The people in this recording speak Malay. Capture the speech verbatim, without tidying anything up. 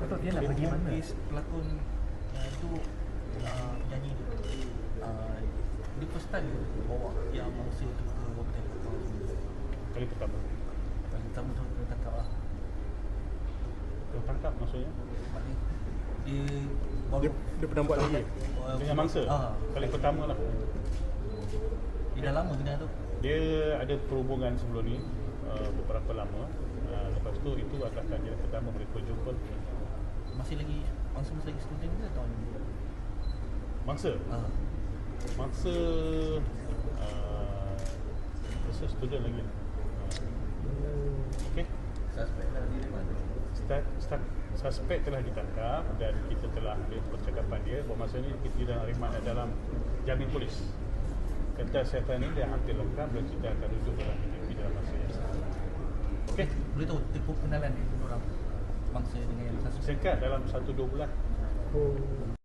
Betul, dia nak Dia pergi mana? melukis pelakon uh, itu uh, penyanyi tu. Uh, dia first time dia bawa yang mangsa tu ke hotel kapal semua. Kali pertama. Kali pertama tu kena tangkap lah. Tertangkap maksudnya? Maknanya dia baru Dia, dia pernah buat lagi? uh, Dengan mangsa? Ah, Kali pertama lah. dia dah lama kena tu. Dia ada perhubungan sebelum ni, uh, beberapa lama. Uh, lepas tu itu adalah kali pertama mereka jumpa. Masih lagi mangsa masih lagi student ke tahun ni? Mangsa? Ah. Mangsa uh, rasa student lagi. Uh, okay. Suspek lah dia mana? Start, start, suspek telah ditangkap dan kita telah ambil percakapan dia bahawa masa ni kita dah rimat dalam jamin polis. Kata kesihatan ni dia hampir lengkap dan kita akan rujuk dalam P J P dalam masa yang sama. Okey. Boleh tahu tempoh pengenalan ni orang mangsa dengan yang suspek? Singkat dalam satu dua bulan. Oh.